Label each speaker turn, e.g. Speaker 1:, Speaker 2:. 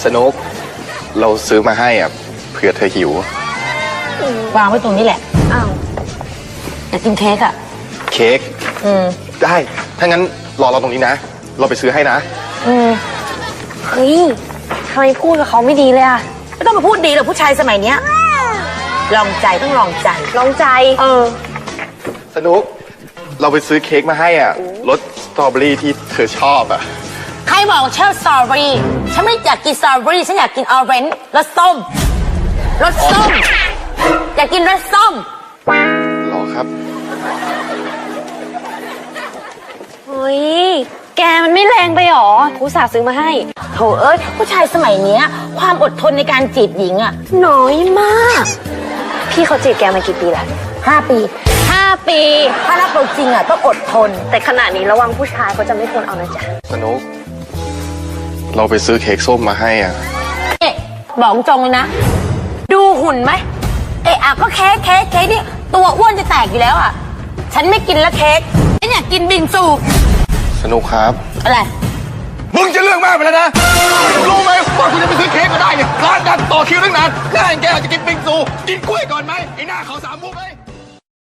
Speaker 1: สนุกเราซื้อมาให้อ่ะเผื่อเธอหิว
Speaker 2: วางไว้ตรงนี้แหละอ้าวอยากกินเค้กอ่ะ
Speaker 1: เค้กได้ถ้างั้นรอเราตรงนี้นะเราไปซื้อให้นะ
Speaker 3: เฮ้ยทำไมพูดกับเขาไม่ดีเลยอะ
Speaker 2: ไม่ต้องมาพูดดีหรอกผู้ชายสมัยเนี้ยลองใจต้องลองใจ
Speaker 1: สนุกเราไปซื้อเค้กมาให้อ่ะรสสตรอเบอรี่ที่เธอชอบอ่ะ
Speaker 2: ใครบอกชอบสตรอเบอรี่ฉันไม่อยากกินสตรอเบอรี่ฉันอยากกินออเรนจ์รสส้มอยากกินรสส้ม
Speaker 1: หรอครับ
Speaker 3: เฮ้ยแกมันไม่แรงไปหรออุตส่าห์ซื้อมาให้
Speaker 2: โถเอ้ยผู้ชายสมัยเนี้ยความอดทนในการจีบหญิงอ่ะน้อยมาก
Speaker 3: พี่เขาจีบแกมากี่ปีแล้ว
Speaker 2: 5 ปีถ้ารักเราจริงอ่ะต้องอดทน
Speaker 3: แต่ขณะนี้ระวังผู้ชายเขาจะไม่ทนเอานะจ๊ะ
Speaker 1: สนุกเราไปซื้อเค้กส้มมาให้อ่ะ
Speaker 2: บอกจงเลยนะดูหุ่นไหมก็เค้กนี่ตัวอ้วนจะแตกอยู่แล้วอ่ะฉันไม่กินแล้วเค้กฉันอยากกินบิงซู
Speaker 1: สนุกครับ
Speaker 2: อะไร
Speaker 1: มึงจะเรื่องมากไปแล้วนะรู้ไหมว่าคุณจะไปซื้อเค้กมาได้เนี่ยร้านดังต่อคิวตั้งนานแค่แกจะกินบิงซูกินกล้วยก่อนไหมไอ้หน้าเขา3 มุกเลย